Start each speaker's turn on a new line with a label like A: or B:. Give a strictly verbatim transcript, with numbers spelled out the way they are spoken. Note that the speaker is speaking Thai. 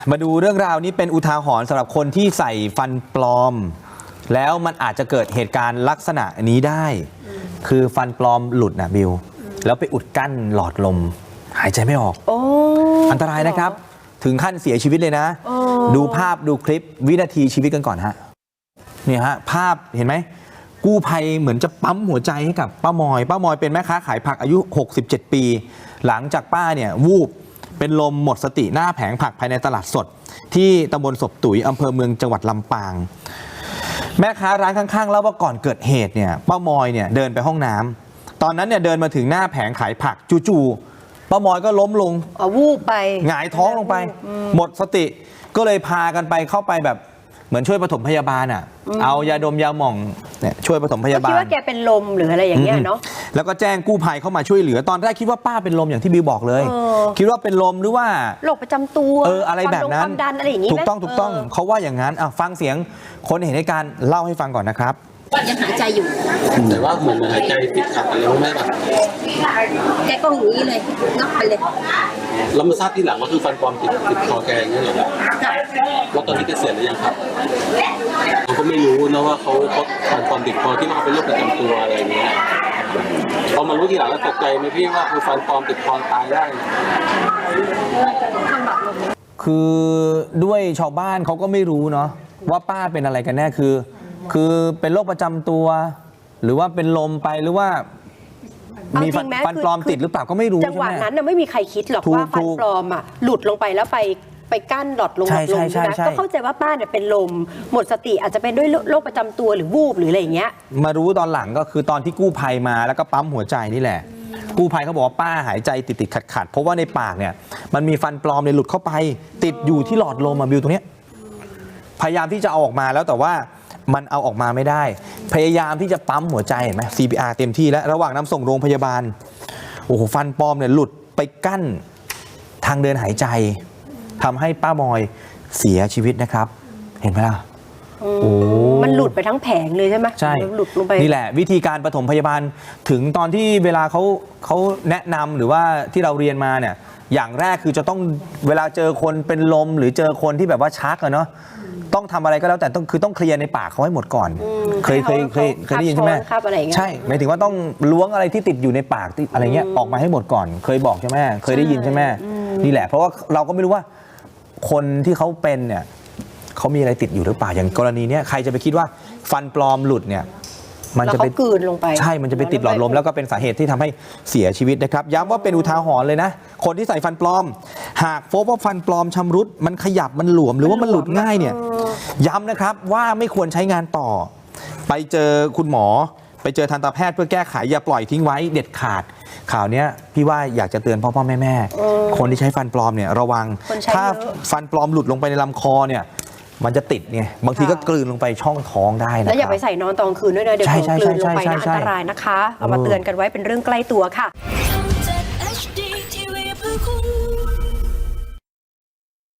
A: มาดูเรื่องราวนี้เป็นอุทาหรณ์สำหรับคนที่ใส่ฟันปลอมแล้วมันอาจจะเกิดเหตุการณ์ลักษณะนี้ได้คือฟันปลอมหลุดนะบิวแล้วไปอุดกั้นหลอดลมหายใจไม่ออกอันตรายนะครับถึงขั้นเสียชีวิตเลยนะดูภาพดูคลิปวินาทีชีวิตกันก่อนฮะเนี่ยฮะภาพเห็นไหมกู้ภัยเหมือนจะปั๊มหัวใจให้กับป้ามอยป้ามอยเป็นแม่ค้าขายผักอายุหกสิบเจ็ดปีหลังจากป้าเนี่ยวูบเป็นลมหมดสติหน้าแผงผักภายในตลาดสดที่ตำบลศพตุ๋ยอำเภอเมืองจังหวัดลำปางแม่ค้าร้านข้างๆเล่าว่าก่อนเกิดเหตุเนี่ยป้ามอยเนี่ยเดินไปห้องน้ำตอนนั้นเนี่ยเดินมาถึงหน้าแผงขายผักจู่ๆป้ามอยก็ล้มลง
B: อ๋อวูบไป
A: หงายท้องลงไปหมดสติก็เลยพากันไปเข้าไปแบบเหมือนช่วยปฐมพยาบาลอ่ะเอายาดมยาหม่องเนี่ยช่วยปฐมพยาบาล
B: คิดว่าแกเป็นลมหรืออะไรอย่างเงี้ยเนาะ
A: แล้วก็แจ้งกู้ภัยเข้ามาช่วยเหลือตอนแรกคิดว่าป้าเป็นลมอย่างที่บิวบอกเลยคิดว่าเป็นลมหรือว่า
B: โรคประจำตัว
A: เอออะไรแบบนั้น
B: ความดันอะไรอย่างงี้
A: ถูกต้องถูกต้องเขาว่าอย่างนั้นอ่ะฟังเสียงคนเห็นเหตุการณ์เล่าให้ฟังก่อนนะครับ
C: ยังหายใจอยู่
D: แต่ว่าเหมือนหายใจติดขัดแล้วไม่แบบ
C: แกก็อย่างนี้เลยงับไปเลย
D: เรามาทราบทีหลังว่าคือฟันปลอมติดติดคอแกอย่างนี้เหรอแล้วตอนนี้แกเสียหรือยังครับเราก็ไม่รู้นะว่าเขาเขาฟันปลอมติดคอที่ว่าเขาเป็นโรคประจำตัวอะไรอย่างเงี้ยพอมารู้ทีหลังแล้วตกใจไหมพี่ว่าคือฟันปลอมติดคอตายได้
A: คือด้วยชาวบ้านเขาก็ไม่รู้เนาะว่าป้าเป็นอะไรกันแน่คือคือเป็นโรคประจำตัวหรือว่าเป็นลมไปหรือว่ามีฟันปลอมติดหรือเปล่าก็ไม่รู้
B: จังหวะนั้นน่ะไม่มีใครคิดหรอกว่าฟันปลอมอ่ะหลุดลงไปแล้วไปไปกั้นหลอดลมหลอดลมนะก็เข้าใจว่าป้าเนี่ยเป็นลมหมดสติอาจจะเป็นด้วยโรคประจำตัวหรือวูบหรืออะไรอย่างเงี้ย
A: มารู้ตอนหลังก็คือตอนที่กู้ภัยมาแล้วก็ปั๊มหัวใจนี่แหละกู้ภัยเขาบอกว่าป้าหายใจติดติดขัดขัดเพราะว่าในปากเนี่ยมันมีฟันปลอมเนี่ยหลุดเข้าไปติดอยู่ที่หลอดลมอะบิวตรงเนี้ยพยายามที่จะเอาออกมาแล้วแต่ว่ามันเอาออกมาไม่ได้พยายามที่จะปั๊มหัวใจเห็นไหม ซี พี อาร์ เต็มที่แล้วระหว่างนำส่งโรงพยาบาลโอ้โหฟันปลอมเนี่ยหลุดไปกั้นทางเดินหายใจทำให้ป้ามอยเสียชีวิตนะครับเห็นไหมล่ะ
B: โอ้มันหลุดไปทั้งแผงเลยใช่ไหม
A: ใช่
B: หลุดลงไป
A: นี่แหละวิธีการปฐมพยาบาลถึงตอนที่เวลาเขาเขาแนะนำหรือว่าที่เราเรียนมาเนี่ยอย่างแรกคือจะต้องเวลาเจอคนเป็นลมหรือเจอคนที่แบบว่าชักอะเนาะต้องทำอะไรก็แล้วแต่ต้องคือต้องเคลียร์ในปากเขาให้หมดก่อนเคยเคยเคยเคยได้ยินใช่ไหมใช่หมายถึงว่าต้องล้วงอะไรที่ติดอยู่ในปากอะไรเงี้ยออกมาให้หมดก่อนเคยบอกใช่ไหมเคยได้ยินใช่ไหมนี่แหละเพราะว่าเราก็ไม่รู้ว่าคนที่เขาเป็นเนี่ยเขามีอะไรติดอยู่หรือเปล่าอย่างกรณีเนี้ยใครจะไปคิดว่าฟันปลอมหลุดเนี่ย
B: มันจะไปกลืนลงไป
A: ใช่มันจะไปติดหลอดลมแล้วก็เป็นสาเหตุที่ทำให้เสียชีวิตนะครับย้ำว่าเป็นอุทาหรณ์เลยนะคนที่ใส่ฟันปลอมหากพบว่าฟันปลอมชำรุดมันขยับมันหลวมหรือว่ามันหลุดง่ายเนี่ยย้ำนะครับว่าไม่ควรใช้งานต่อไปเจอคุณหมอไปเจอทันตแพทย์เพื่อแก้ไขอย่าปล่อยทิ้งไว้เด็ดขาดข่าวนี้พี่ว่าอยากจะเตือนพ่อพ่อแม่แม่คนที่ใช้ฟันปลอมเนี่ยระวังถ้าฟันปลอมหลุดลงไปในลำคอเนี่ยมันจะติดไงบางทีก็กลืนลงไปช่องท้องได้นะ
B: แล้วอย่าไปใส่นอนตอนคืนด้วยนะเดี๋ยวกลืนลงไปนะอันตรายนะคะเอามาเตือนกันไว้เป็นเรื่องใกล้ตัวค่ะ